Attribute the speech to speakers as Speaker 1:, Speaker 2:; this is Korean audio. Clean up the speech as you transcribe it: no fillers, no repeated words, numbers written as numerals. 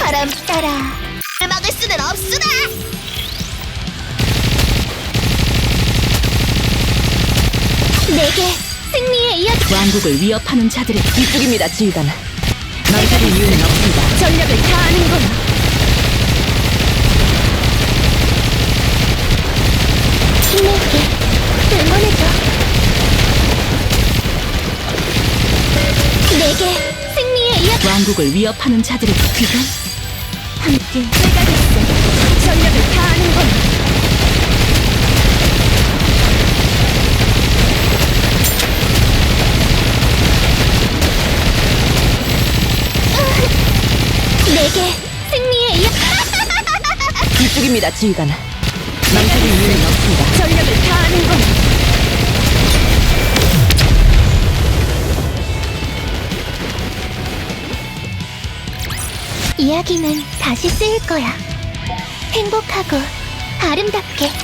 Speaker 1: 바람 따라 막을 수는 없으나. 내게 승리의 이야기.
Speaker 2: 왕국을 위협하는 자들의 이쪽입니다, 지휘관. 망설일 이유는 없습니다.
Speaker 1: 전력을 다하는 거야. 힘낼게. 응원해줘. 내게 승리의 이야기.
Speaker 2: 왕국을 위협하는 자들의 귀관?
Speaker 1: 함께 내가 됐어. 전력을 다하는 거야. 내게 승리의 이야기.
Speaker 2: 이쪽입니다, 지휘관. 망설일 이유는 없습니다.
Speaker 1: 전력을 다하는 거야. 이야기는 다시 쓰일 거야. 행복하고 아름답게.